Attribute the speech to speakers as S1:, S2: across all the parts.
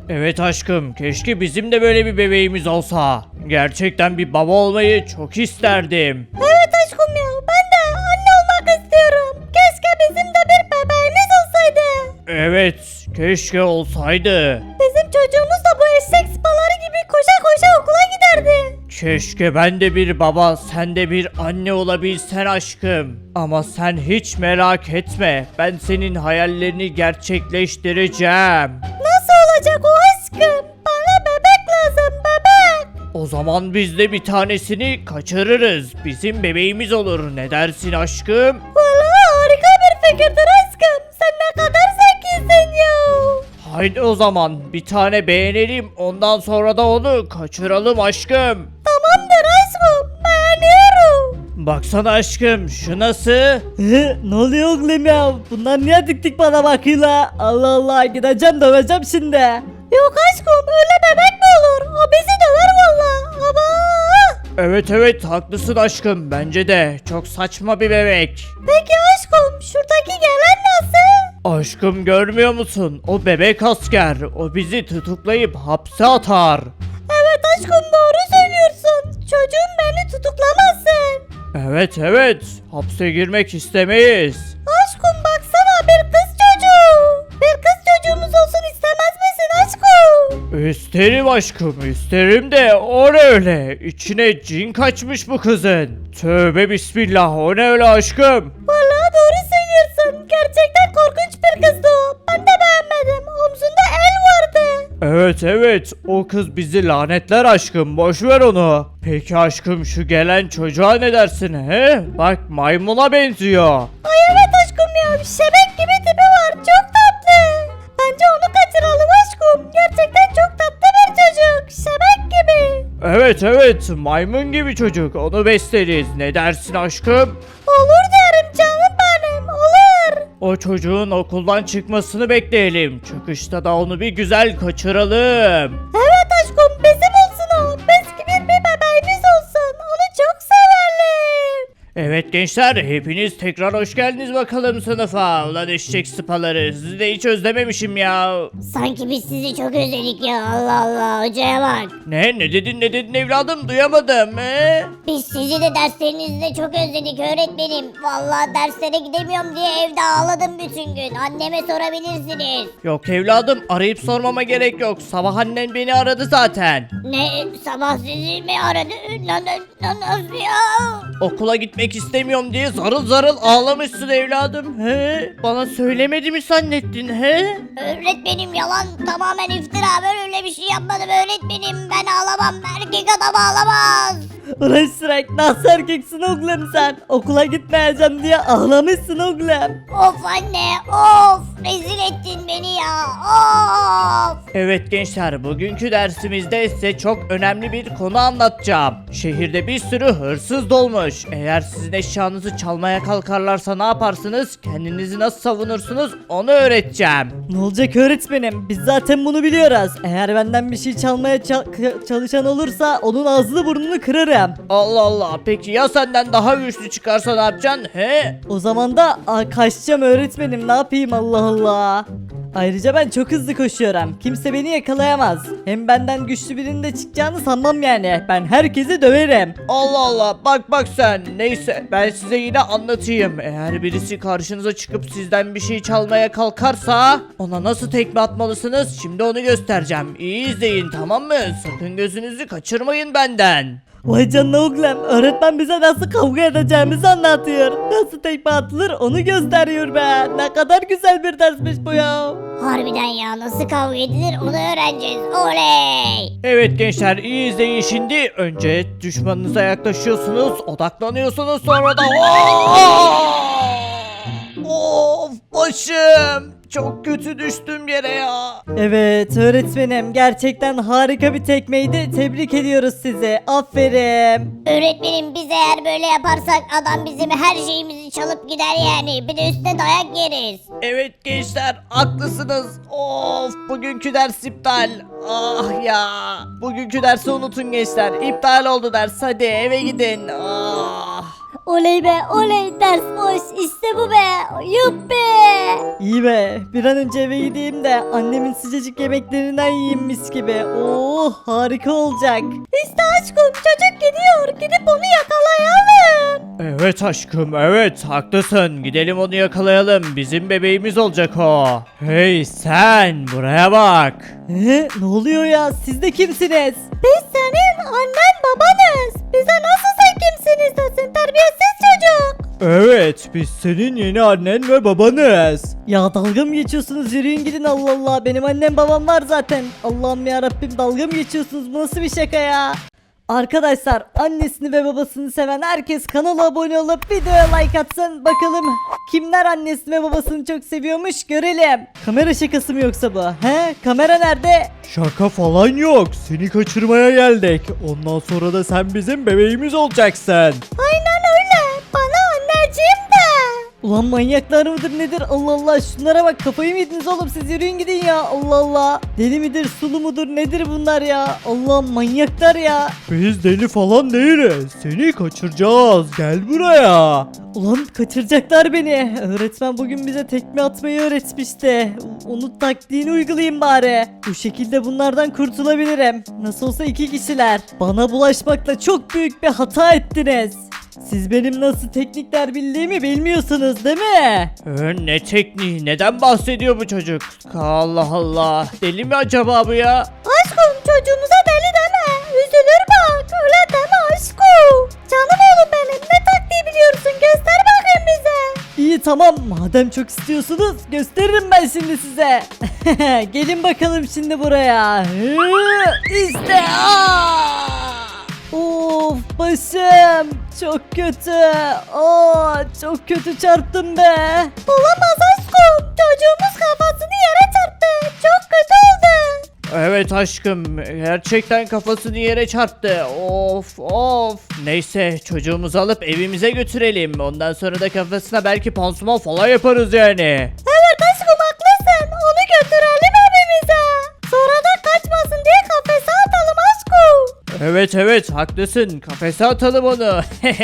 S1: Evet aşkım, keşke bizim de böyle bir bebeğimiz olsa. Gerçekten bir baba olmayı çok isterdim.
S2: Evet aşkım ya, ben de anne olmak istiyorum. Keşke bizim de bir bebeğimiz olsaydı.
S1: Evet, keşke olsaydı.
S2: Bizim çocuğumuz da bu eşek sıpaları gibi koşa koşa okula giderdi.
S1: Keşke ben de bir baba, sen de bir anne olabilsen aşkım. Ama sen hiç merak etme, ben senin hayallerini gerçekleştireceğim.
S2: Nasıl olacak o aşkım? Bana bebek lazım, bebek.
S1: O zaman biz de bir tanesini kaçırırız. Bizim bebeğimiz olur. Ne dersin aşkım?
S2: Vallahi harika bir fikirdir aşkım. Sen ne kadar zekisin ya.
S1: Haydi o zaman bir tane beğenelim. Ondan sonra da onu kaçıralım aşkım.
S2: Tamamdır aşkım, beğeniyorum.
S1: Baksana aşkım, şu nasıl?
S3: Ne oluyor oğlum ya? Bunlar niye dik dik bana bakıyorlar? Allah Allah, gideceğim döveceğim şimdi.
S2: Yok aşkım, öyle bebek mi olur? O bizi döver valla. Ama.
S1: Evet evet, haklısın aşkım. Bence de çok saçma bir bebek.
S2: Peki aşkım, şuradaki gelen nasıl?
S1: Aşkım, görmüyor musun? O bebek asker. O bizi tutuklayıp hapse atar.
S2: Evet aşkım, doğru söylüyorsun. Çocuğum beni tutuklamazsın.
S1: Evet evet, hapse girmek istemeyiz.
S2: Aşkım baksana, bir kız çocuğu. Bir kız çocuğumuz olsun istemez misin aşkım?
S1: İsterim aşkım, isterim de o ne öyle? İçine cin kaçmış bu kızın. Tövbe bismillah, o ne öyle aşkım?
S2: Vallahi doğru söylüyorsun. Gerçekten korkunç bir kızdı o. Ben de beğenmedim. Omzunda el vardı.
S1: Evet evet, o kız bizi lanetler aşkım, boş ver onu. Peki aşkım, şu gelen çocuğa ne dersin he? Bak, maymuna benziyor.
S2: Ay evet aşkım ya. Şebek gibi tipi var. Çok tatlı. Bence onu kaçıralım aşkım. Gerçekten çok tatlı bir çocuk. Şebek gibi.
S1: Evet evet, maymun gibi çocuk, onu besleriz. Ne dersin aşkım?
S2: Olur derim canım benim. Olur.
S1: O çocuğun okuldan çıkmasını bekleyelim. Çıkışta da onu bir güzel kaçıralım.
S2: Evet aşkım, bizim olsun o. Biz gibi bir bebeğimiz olsun. Onu çok severim.
S1: Evet gençler, hepiniz tekrar hoş geldiniz bakalım sınıfa. Ulan eşek sıpaları, sizi de hiç özlememişim ya.
S2: Sanki biz sizi çok özledik ya. Allah Allah, hocaya bak.
S1: Ne dedin evladım, duyamadım
S2: Biz sizi de derslerinizde çok özledik öğretmenim. Vallahi derslere gidemiyorum diye evde ağladım bütün gün. Anneme sorabilirsiniz.
S1: Yok evladım, arayıp sormama gerek yok. Sabah annen beni aradı zaten.
S2: Ne? Sabah sizi mi aradı? Nasıl ya?
S1: Okula gitmek istemiyorum diye zarıl zarıl ağlamışsın evladım. He? Bana söylemedi mi zannettin he?
S2: Öğretmenim yalan, tamamen iftira. Ben öyle bir şey yapmadım öğretmenim. Ben ağlamam. Erkek adam ağlamaz.
S3: Ulan Shrek, nasıl erkeksin oğlum sen? Okula gitmeyeceğim diye ağlamışsın oğlum.
S2: Of anne, of. Rezil ettin beni ya. Of.
S1: Evet gençler, bugünkü dersimizde size çok önemli bir konu anlatacağım. Şehirde bir sürü hırsız dolmuş. Eğer sizin eşyanızı çalmaya kalkarlarsa ne yaparsınız? Kendinizi nasıl savunursunuz? Onu öğreteceğim.
S3: Ne olacak öğretmenim? Biz zaten bunu biliyoruz. Eğer benden bir şey çalmaya çalışan olursa onun ağzını burnunu kırarım.
S1: Allah Allah, peki ya senden daha güçlü çıkarsa ne yapacaksın he?
S3: O zaman da kaçacağım öğretmenim, ne yapayım, Allah Allah. Ayrıca ben çok hızlı koşuyorum. Kimse beni yakalayamaz. Hem benden güçlü birinin de çıkacağını sanmam yani. Ben herkesi döverim.
S1: Allah Allah, bak sen. Neyse, ben size yine anlatayım. Eğer birisi karşınıza çıkıp sizden bir şey çalmaya kalkarsa ona nasıl tekme atmalısınız, şimdi onu göstereceğim. İyi izleyin, tamam mı? Sakın gözünüzü kaçırmayın benden.
S3: Vay canına oğlum, öğretmen bize nasıl kavga edeceğimizi anlatıyor. Nasıl tekme atılır onu gösteriyor be. Ne kadar güzel bir dersmiş bu ya.
S2: Harbiden ya, nasıl kavga edilir onu öğreneceğiz. Oley.
S1: Evet gençler, iyi izleyin şimdi. Önce düşmanınıza yaklaşıyorsunuz, odaklanıyorsunuz, sonra da Of başım. Çok kötü düştüm yere ya.
S3: Evet öğretmenim, gerçekten harika bir tekmeydi. Tebrik ediyoruz sizi. Aferin.
S2: Öğretmenim, biz eğer böyle yaparsak adam bizim her şeyimizi çalıp gider yani. Bir de üstüne dayak yeriz.
S1: Evet gençler, haklısınız. Of, bugünkü ders iptal. Ah ya. Bugünkü dersi unutun gençler. İptal oldu ders. Hadi eve gidin. Ah.
S2: Oley be oley, ders boş, işte bu be. Yuppi.
S3: İyi be, bir an önce eve gideyim de annemin sıcacık yemeklerinden yiyeyim mis gibi. Oh, harika olacak.
S2: İşte aşkım çocuk gidiyor. Gidip onu yakalayalım.
S1: Evet aşkım, evet haklısın. Gidelim onu yakalayalım. Bizim bebeğimiz olacak o. Hey sen, buraya bak.
S3: Ne oluyor ya? Siz de kimsiniz?
S2: Biz senin annen babanız. Bize nasıl sen kimsiniz desin terbiyesiz çocuk.
S1: Evet, biz senin yeni annen ve babanız.
S3: Ya dalga mı geçiyorsunuz? Yürüyün gidin, Allah Allah. Benim annem babam var zaten. Allah'ım ya Rabbim, dalga mı geçiyorsunuz? Bu nasıl bir şaka ya? Arkadaşlar, annesini ve babasını seven herkes kanala abone olup videoya like atsın. Bakalım kimler annesini ve babasını çok seviyormuş görelim. Kamera şakası mı yoksa bu? He? Kamera nerede?
S1: Şaka falan yok. Seni kaçırmaya geldik. Ondan sonra da sen bizim bebeğimiz olacaksın.
S2: Aynen öyle. Bana anneciğim de.
S3: Ulan manyaklar mıdır nedir? Allah Allah, şunlara bak, kafayı mı yediniz oğlum, siz yürüyün gidin ya. Allah Allah, deli midir sulu mudur nedir bunlar ya? Allah, manyaklar ya.
S1: Biz deli falan değiliz. Seni kaçıracağız. Gel buraya.
S3: Ulan kaçıracaklar beni. Öğretmen bugün bize tekme atmayı öğretmişti. Onun taktiğini uygulayayım bari. Bu şekilde bunlardan kurtulabilirim. Nasıl olsa 2 kişiler. Bana bulaşmakla çok büyük bir hata ettiniz. Siz benim nasıl teknikler bildiğimi bilmiyorsunuz değil mi?
S1: Ne tekniği? Neden bahsediyor bu çocuk? Allah Allah. Deli mi acaba bu ya?
S2: Aşkım çocuğumuza deli deme. Üzülür bak. Öyle deme aşkım. Canım oğlum benim. Ne taktiği biliyorsun? Göster bakayım bize.
S3: İyi tamam, madem çok istiyorsunuz gösteririm ben şimdi size. Gelin bakalım şimdi buraya. İşte. Of, başım çok kötü. Çok kötü çarptım be.
S2: Olamaz aşkım. Çocuğumuz kafasını yere çarptı. Çok kötü oldu.
S1: Evet aşkım. Gerçekten kafasını yere çarptı. Of of. Neyse çocuğumuzu alıp evimize götürelim. Ondan sonra da kafasına belki pansuman falan yaparız yani.
S2: Evet aşkım haklısın. Onu götürelim evimize. Sonra da kaçmasın diye kafese atalım aşkım.
S1: Evet haklısın. Kafese atalım onu.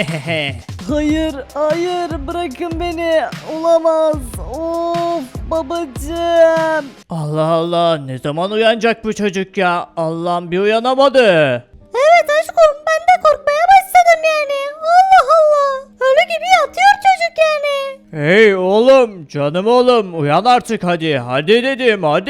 S3: Hayır, hayır, bırakın beni. Olamaz. Of, babacığım.
S1: Allah Allah, ne zaman uyanacak bu çocuk ya? Allah'ım, bir uyanamadı.
S2: Evet aşkım ben de korkmaya başladım yani. Allah Allah. Ölü gibi yatıyor çocuk yani.
S1: Hey oğlum, canım oğlum, uyan artık hadi. Hadi dedim, hadi.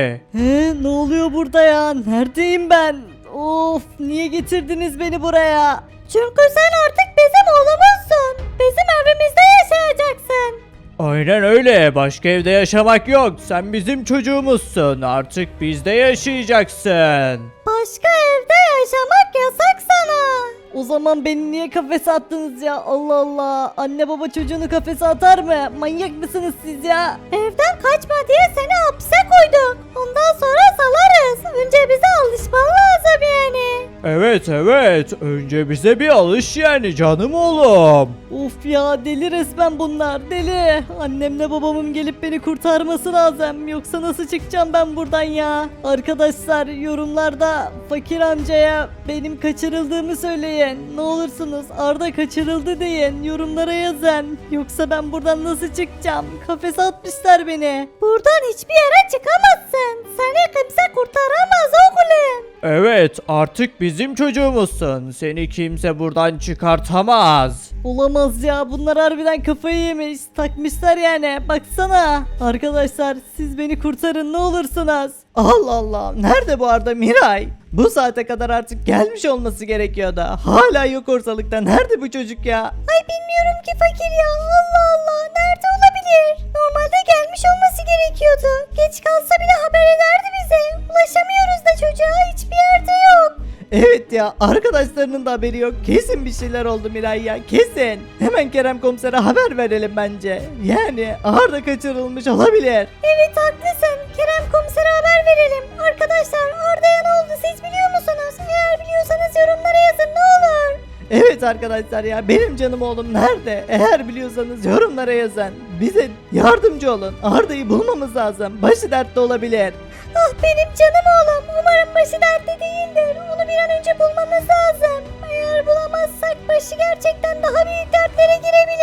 S3: Ne oluyor burada ya? Neredeyim ben? Of, niye getirdiniz beni buraya?
S2: Çünkü sen artık bizim oğlumuzsun. Bizim evimizde yaşayacaksın.
S1: Aynen öyle, başka evde yaşamak yok. Sen bizim çocuğumuzsun, artık bizde yaşayacaksın.
S2: Başka evde yaşamak yasak sana.
S3: O zaman beni niye kafese attınız ya? Allah Allah. Anne baba çocuğunu kafese atar mı? Manyak mısınız siz ya?
S2: Evden kaçma diye seni hapse koyduk. Ondan sonra salarız. Önce bize alışman lazım yani.
S1: Evet, önce bize bir alış yani canım oğlum.
S3: Of ya, deli resmen bunlar, deli. Annemle babamın gelip beni kurtarması lazım. Yoksa nasıl çıkacağım ben buradan ya? Arkadaşlar, yorumlarda fakir amcaya benim kaçırıldığımı söyleyin. Ne olursunuz Arda kaçırıldı deyin. Yorumlara yazın. Yoksa ben buradan nasıl çıkacağım? Kafese atmışlar beni.
S2: Buradan hiçbir yere çıkamazsın. Seni kimse kurtaramaz oğlum.
S1: Evet, artık bizim çocuğumuzsun. Seni kimse buradan çıkartamaz.
S3: Olamaz ya, bunlar harbiden kafayı yemiş, takmışlar yani, baksana. Arkadaşlar, siz beni kurtarın ne olursunuz. Allah Allah, nerede bu Arda Miray? Bu saate kadar artık gelmiş olması gerekiyordu. Hala yok ortalıkta, nerede bu çocuk ya?
S2: Ay bilmiyorum ki fakir ya. Allah Allah. Nerede olabilir? Normalde gelmiş olması gerekiyordu. Geç kalsa bile haber ederdi bize. Ulaşamıyoruz da çocuğa, hiçbir yerde yok.
S3: Evet ya, arkadaşlarının da haberi yok. Kesin bir şeyler oldu Miray ya, kesin. Hemen Kerem komisere haber verelim bence. Yani Arda kaçırılmış olabilir.
S2: Evet haklısın. Kerem komisere haber verelim. Arkadaşlar Arda'ya ne oldu siz biliyor musunuz? Eğer biliyorsanız yorumlara yazın ne olur.
S3: Evet arkadaşlar ya, benim canım oğlum nerede? Eğer biliyorsanız yorumlara yazın. Bize yardımcı olun. Arda'yı bulmamız lazım. Başı dertte olabilir.
S2: Ah benim canım oğlum. Umarım başı dertte değildir. Onu bir an önce bulmamız lazım. Eğer bulamazsak başı gerçekten daha büyük dertlere girebilir.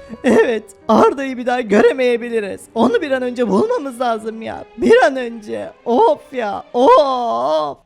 S3: Evet, Arda'yı bir daha göremeyebiliriz. Onu bir an önce bulmamız lazım ya. Bir an önce. Of ya, of.